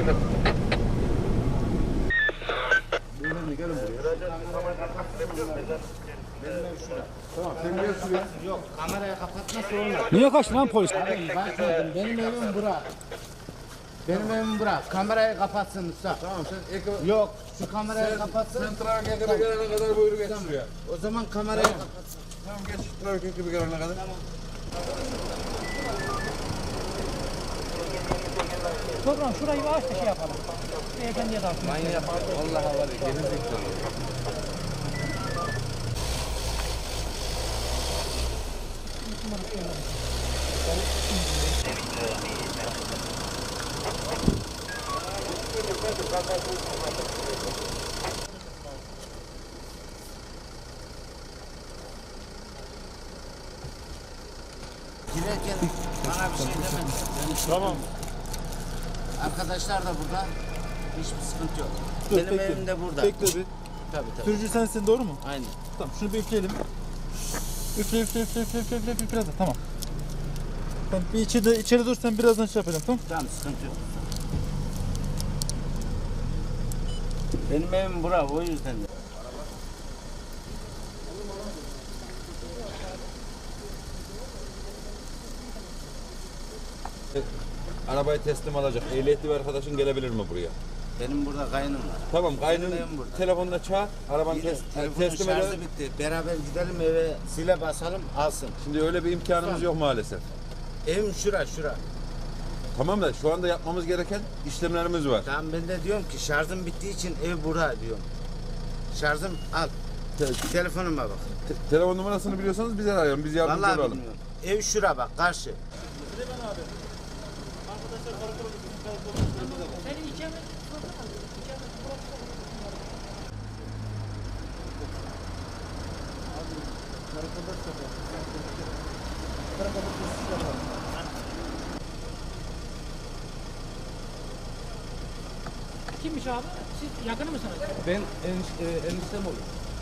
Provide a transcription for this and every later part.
Gelin buraya. Tamam, sen gel şuraya. Yok, kamerayı kapatmazsa olmaz. Niye kaçtı lan polis? Abi bak dedim, benim evim bura. Benim evim bura. Kamerayı kapatsın usta. Tamam, sen ekran... Yok, şu kamerayı kapatsın. Sen trafik ekibi gelene kadar buyur geç şuraya. O zaman kamerayı kapatsın. Tamam, geç trafik ekibi gelene kadar. Toprağım şurayı bir aç da şey yapalım. Beyefendiye dağıtın. Manyak, vallahi var ya, gerizekalı. Girerken bana bir şey demedin. Tamam. Arkadaşlar da burada. Hiçbir sıkıntı yok. Dur, Benim bekle. evim de burada. Bekle bir. Tabii tabii. Sürücü sensin doğru mu? Aynen. Tamam şunu bir üfleyelim. Üfle üfle üfle üfle üfle üfle üfle biraz da tamam. Tamam bir içeri dur sen birazdan şey yapacağım tamam. Tamam sıkıntı yok. Benim evim bura o yüzden de. Arabayı teslim alacak. Ehliyetli bir arkadaşın gelebilir mi buraya? Benim burada kaynım var. Tamam, kaynın Benim burada. telefonla çağır. Arabanı Telefonun teslim şarjı edelim. bitti. Beraber gidelim eve zile basalım alsın. Şimdi öyle bir imkanımız yok maalesef. Evim şura. Tamam da şu anda yapmamız gereken işlemlerimiz var. Tamam ben de diyorum ki şarjım bittiği için ev bura diyorum. Şarjım al. Telefonuma bak. Telefon numarasını biliyorsanız bize arayalım. Biz yardımcı Vallahi olalım. bilmiyorum. Ev şura bak karşı. Senin ikamet kimmiş abi? Siz yakını mısınız? Ben eniştem olur.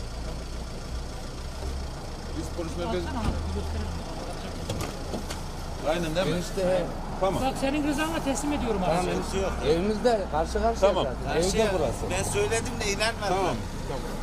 Biz polis merkezi... Alsana abi, bir gösterelim. Aynen değil mi? Enişte Tamam. Bak senin rızanla teslim ediyorum abi. enişte yok. Evimizde karşı karşıya Tamam. zaten. Evde burası. Ben söyledim de inanmadılar. Tamam.